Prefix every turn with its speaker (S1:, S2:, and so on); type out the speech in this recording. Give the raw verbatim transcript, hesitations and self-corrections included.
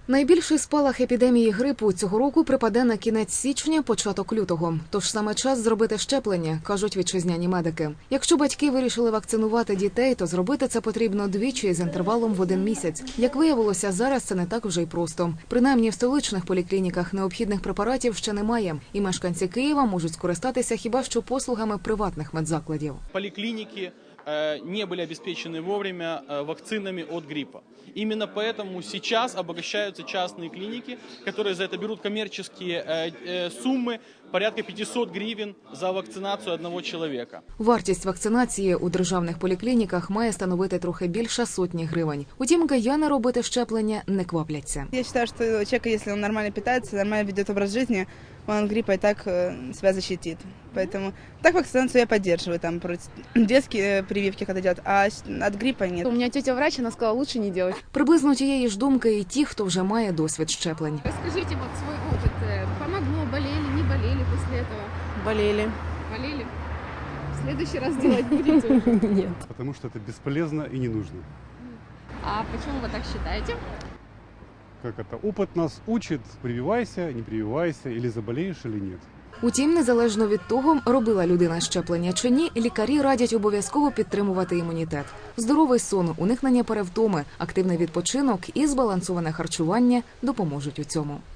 S1: Найбільший спалах епідемії грипу цього року припаде на кінець січня, початок лютого. Тож саме час зробити щеплення, кажуть вітчизняні медики. Якщо батьки вирішили вакцинувати дітей, то зробити це потрібно двічі з інтервалом в один місяць. Як виявилося, зараз це не так вже й просто. Принаймні в столичних поліклініках необхідних препаратів ще немає. І мешканці Києва можуть скористатися хіба що послугами приватних медзакладів.
S2: Поликлиники не были обеспечены вовремя вакцинами от гриппа. Именно поэтому сейчас обогащаются частные клиники, которые за это берут коммерческие суммы, порядка пятьсот гривен за вакцинацію одного чоловіка.
S1: Вартість вакцинації у державних поліклініках має становити трохи більше сотні гривень. Утім, кияни робити щеплення не квапляться.
S3: Я вважаю, що чоловік, якщо він нормально питається, нормально веде образ життя, он от гриппа и так себя защитит. Поэтому так вакцинацию я поддерживаю, там детские прививки когда делают, а от гриппа нет.
S4: У меня тетя врач, она сказала, лучше не делать.
S1: Приблизно тієї ж думки і ті, хто вже має досвід щеплень.
S4: Расскажите вот свой опыт. Помогло, болели, не болели после этого?
S5: Болели.
S4: Болели? В следующий раз делать будете?
S5: Нет.
S6: Потому что это бесполезно и не нужно.
S4: А почему вы так считаете?
S6: Как это? Опыт нас учит, прививайся, не прививайся, или заболеешь, или нет.
S1: Утім, незалежно від того, робила людина щеплення чи ні, лікарі радять обов'язково підтримувати імунітет. Здоровий сон, уникнення перевтоми, активний відпочинок і збалансоване харчування допоможуть у цьому.